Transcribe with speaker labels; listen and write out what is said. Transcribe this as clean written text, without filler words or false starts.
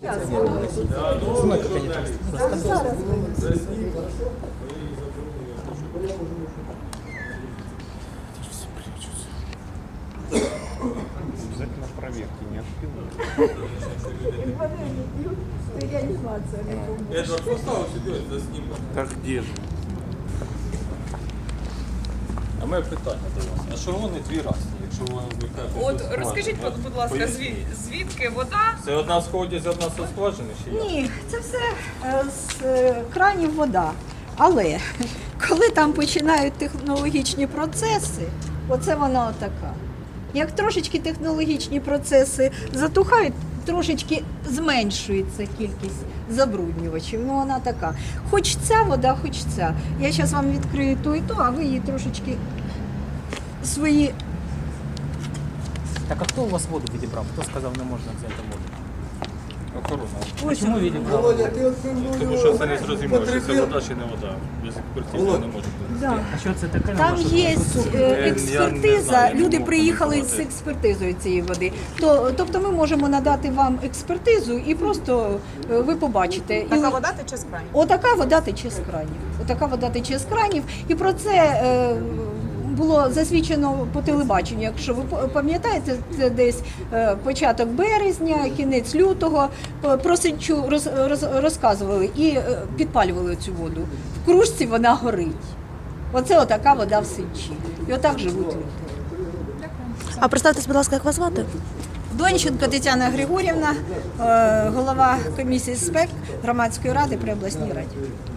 Speaker 1: Знаю, как они там рассказывают.
Speaker 2: Обязательно проверки, не отпилы.
Speaker 3: Эдвард поставил сидеть за снимок.
Speaker 2: Так где же?
Speaker 3: А моє питання до вас. А що вони дві разні, якщо ви кажете?
Speaker 4: От розкажіть, будь ласка, звідки вода?
Speaker 3: Це одна сходить, одна со скважини чи як?
Speaker 5: Ні, це все з кранів вода. Але коли там починають технологічні процеси, оце вона отака. Як трошечки технологічні процеси затухають, трошечки зменшується кількість забруднювачів. Ну вона така. Хоч ця вода, хоч ця. Я зараз вам відкрию ту і ту, а ви її трошечки свої.
Speaker 1: Так а хто у вас воду відібрав? Хто сказав, не можна взяти воду?
Speaker 3: Охорона.
Speaker 1: Чому відібрав?
Speaker 3: Тому що це не зрозуміло, чи це вода, чи не вода. Без експертизи не може бути.
Speaker 5: Да.
Speaker 1: А що це таке?
Speaker 5: Там є
Speaker 3: не
Speaker 5: експертиза,
Speaker 3: знаю,
Speaker 5: люди
Speaker 3: не
Speaker 5: приїхали
Speaker 3: можу
Speaker 5: з
Speaker 3: коментувати.
Speaker 5: експертизою цієї води. Тобто ми можемо надати вам експертизу і просто ви побачите.
Speaker 4: Така вода тече з кранів.
Speaker 5: Отака вода тече з кранів. Отака вода тече з кранів. І про це було засвідчено по телебаченню. Якщо ви пам'ятаєте, це десь початок березня, кінець лютого. Про Сенчу розказували і підпалювали цю воду. В кружці вона горить. Оце отака вода в Сенчі. І отак живуть люди.
Speaker 6: А представтесь, будь ласка, як вас звати?
Speaker 5: Донченко Тетяна Григорівна, голова комісії СПЕК Громадської ради при обласній раді.